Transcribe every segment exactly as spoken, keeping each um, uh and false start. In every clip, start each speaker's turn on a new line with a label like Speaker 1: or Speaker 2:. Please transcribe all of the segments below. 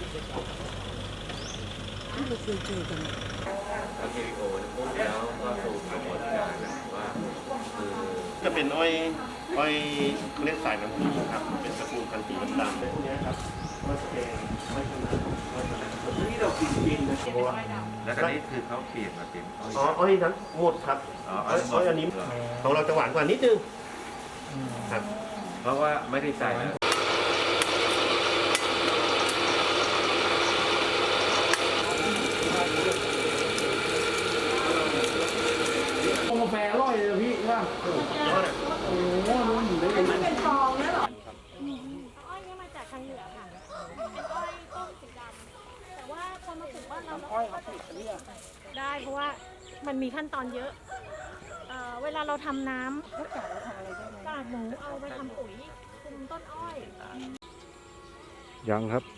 Speaker 1: ที่เราเคยเจอกัน
Speaker 2: ทำวิดีโอปุ๊บแล้วก็สู่กระบวนการว่าคือ
Speaker 3: จะเป็นอ้อยอ้อยเขาเรียกสายน้ำผึ้งครับเป็นตระกูลพันธุ์สีดำๆแบบนี้ครับอ้อยแดงอ้อยขนาดอ้อยขนาดที่เรากินกินนะเพราะว่า
Speaker 2: แล้วก็นี้คือเขาเปลี่ยนมาเป็นอ้อย
Speaker 3: อ๋ออ้อยนั้นหมดครับ
Speaker 2: อ๋อ
Speaker 3: อ้อยอ้อยอันนี้ของเราจะหวานกว่านิดนึงครับ
Speaker 2: เพราะว่าไม่ได้ใส่
Speaker 4: กาแฟอร่อยเลยพี่ว่าโอ้โหรู้อยู่ได้ยังไงมันเป็นทองนะหรอ
Speaker 5: อ้อยนี่มาจากทางเหนือค่ะเป็นอ้อยต้มสีดำแต่ว่าคนมาปลูกบ้านเราอ้อยเขาปลูกเนี่ยได้เพราะว่ามันมีขั้นตอนเยอะเอ่อเวลาเราทำน้ำแล้วกากเราทำอะไรได้ไหมกากหมูเอาไปทำปุ๋ยคุมต้นอ้อย
Speaker 6: ยังครับ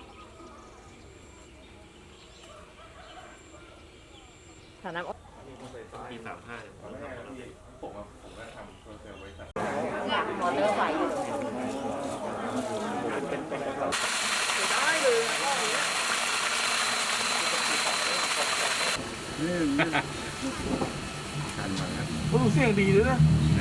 Speaker 1: ฐานะ
Speaker 3: ปีสามห้าผมผมก็ทำโซเชียลไว้แต่
Speaker 1: มอเตอร์ไฟได้เลย
Speaker 4: นี่นี่โอ้เสียงดีเลยนะ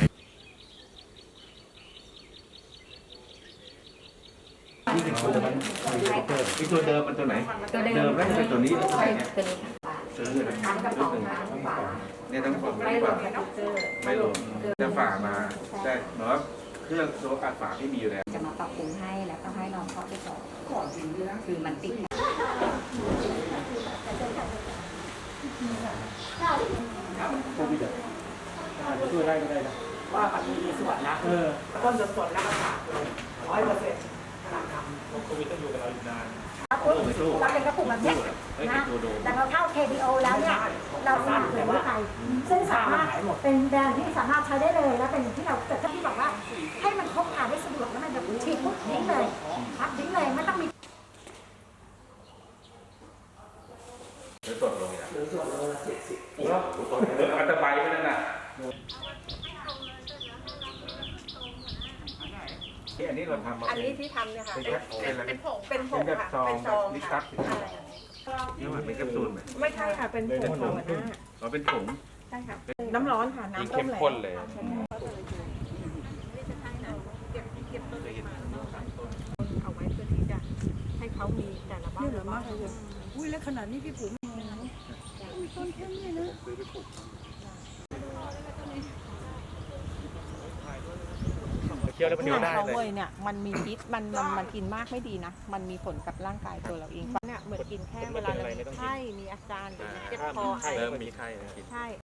Speaker 2: นี่เป็นตัวมันที่ตัวเดิมมันตัวไหนเดิมแล้วเป็นตัวนี้ตัวนี้ซื้อเลยรุ่นหนึ่งเนี่ยต้องผมไม่ลงไม่ลงจะฝามาได้เนาะเครื่องตัวอัดฝาที่มีอยู่แล้ว
Speaker 7: จะมาปรับปรุงให้แล้วก็ให้น้องเขาไปสอนก่อนจริงด้วยนะคือมันติด
Speaker 4: ช่วยได้ก็ได้นะว่าปัจจุบันมีส่วนนะเออต้นสดๆแล้วก็ขาดร้อยเปอร์เซ็นต์ขนาดทำโควิดต้องอยู่กับเราอีกนาน
Speaker 8: เราเป็นกระปุกแบบนี้นะแต่เราเข้า เค พี โอ แล้วเนี่ยเราสมัครเลยไปซึ่งสามารถเป็นแบรนด์ที่สามารถใช้ได้เลยและเป็นที่เราเกิดที่บอกว่าให้มันพกพาได้สะดวกแล้วมันแบบฉีดปุ๊บทิ้งเลยครับทิ้งเลยไม่ต้องมี
Speaker 2: หรือสดลงหรือสดลงละเจ็ดสิบอันตรายไปนั่นน่ะอันนี้เราทำมา
Speaker 1: อันนี้ที่ทำเนี่ยค่ะเป็นผงเป็นผงค่ะ
Speaker 2: เป็นซอง
Speaker 1: ค่ะ
Speaker 2: นี่มันเป็นแคปซูลไหม
Speaker 1: ไม่ใช่ค่ะเป็นผงหัวหน้า
Speaker 2: อ๋อเป็นผง
Speaker 1: ใช่ค่ะน้ำร้อนค่ะน้ำต้มเลย
Speaker 2: เข้มข้นเลย
Speaker 1: เอาไว้เพื่อที่จะให้เขามีแต่ละบ้าน
Speaker 4: เหลือมากเลยอุ้ยแล้วขนาดนี้พี่ปุ๋มอุ้ยต้นแค่นี้นะ
Speaker 1: เคี้ยวแล้วมันเดียวได้เลยเนี่ยมันมีพิษมันมันมันกินมากไม่ดีนะมันมีผลกับร่างกายตัวเราเองเนี่ยเหมือนกินแค่เวลาเรามีไข้มีอาการเจ็บคอไอ
Speaker 2: เริ่มมีไข้ใช่